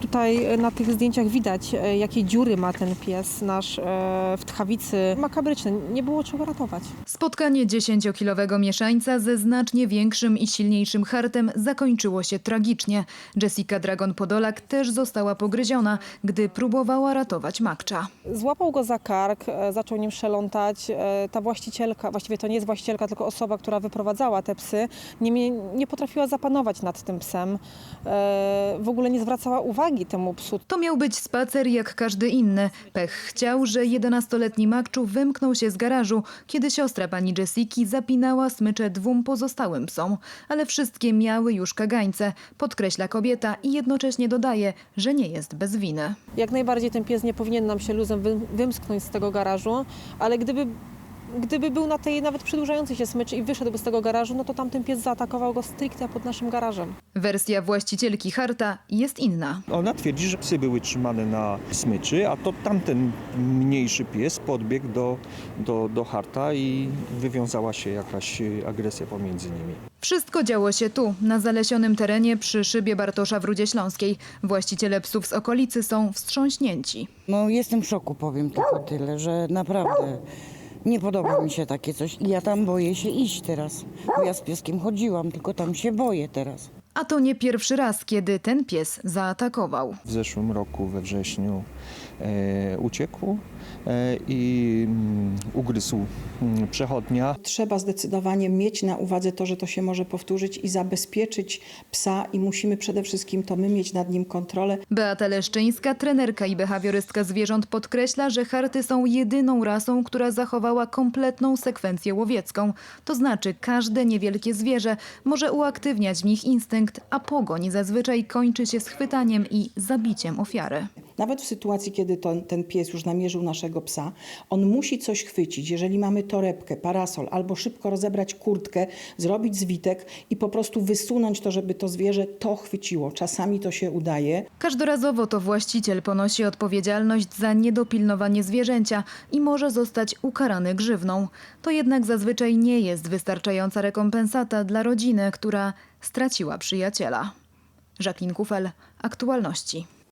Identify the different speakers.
Speaker 1: Tutaj na tych zdjęciach widać, jakie dziury ma ten pies nasz w tchawicy. Makabryczne, nie było czego ratować.
Speaker 2: Spotkanie 10-kilowego mieszańca ze znacznie większym i silniejszym hartem zakończyło się tragicznie. Jessica Dragon-Podolak też została pogryziona, gdy próbowała ratować Makcza.
Speaker 1: Złapał go za kark, zaczął nim szelątać. Ta właścicielka, właściwie to nie jest właścicielka, tylko osoba, która wyprowadzała te psy, nie potrafiła zapanować nad tym psem. W ogóle nie zwracała uwagi temu psu.
Speaker 2: To miał być spacer jak każdy inny. Pech chciał, że 11-letni Makczu wymknął się z garażu, kiedy siostra pani Jessiki zapinała smycze 2 pozostałym psom. Ale wszystkie miały już kagańce, podkreśla kobieta i jednocześnie dodaje, że nie jest bez winy.
Speaker 1: Jak najbardziej ten pies nie powinien nam się luzem wymsknąć z tego garażu, ale gdyby był na tej nawet przedłużającej się smyczy i wyszedłby z tego garażu, no to tamten pies zaatakował go stricte pod naszym garażem.
Speaker 2: Wersja właścicielki harta jest inna.
Speaker 3: Ona twierdzi, że psy były trzymane na smyczy, a to tamten mniejszy pies podbiegł do harta i wywiązała się jakaś agresja pomiędzy nimi.
Speaker 2: Wszystko działo się tu, na zalesionym terenie przy szybie Bartosza w Rudzie Śląskiej. Właściciele psów z okolicy są wstrząśnięci.
Speaker 4: No jestem w szoku, powiem tylko tyle, że naprawdę nie podoba mi się takie coś. I ja tam boję się iść teraz, bo ja z pieskiem chodziłam, tylko tam się boję teraz.
Speaker 2: A to nie pierwszy raz, kiedy ten pies zaatakował.
Speaker 3: W zeszłym roku we wrześniu uciekł i ugryzł przechodnia.
Speaker 5: Trzeba zdecydowanie mieć na uwadze to, że to się może powtórzyć i zabezpieczyć psa i musimy przede wszystkim to my mieć nad nim kontrolę.
Speaker 2: Beata Leszczyńska, trenerka i behawiorystka zwierząt podkreśla, że harty są jedyną rasą, która zachowała kompletną sekwencję łowiecką. To znaczy każde niewielkie zwierzę może uaktywniać w nich instynkt, a pogoń zazwyczaj kończy się schwytaniem i zabiciem ofiary.
Speaker 5: Nawet w sytuacji, kiedy ten pies już namierzył naszego psa, on musi coś chwycić. Jeżeli mamy torebkę, parasol albo szybko rozebrać kurtkę, zrobić zwitek i po prostu wysunąć to, żeby to zwierzę to chwyciło. Czasami to się udaje.
Speaker 2: Każdorazowo to właściciel ponosi odpowiedzialność za niedopilnowanie zwierzęcia i może zostać ukarany grzywną. To jednak zazwyczaj nie jest wystarczająca rekompensata dla rodziny, która straciła przyjaciela. Jacqueline Kufel, Aktualności.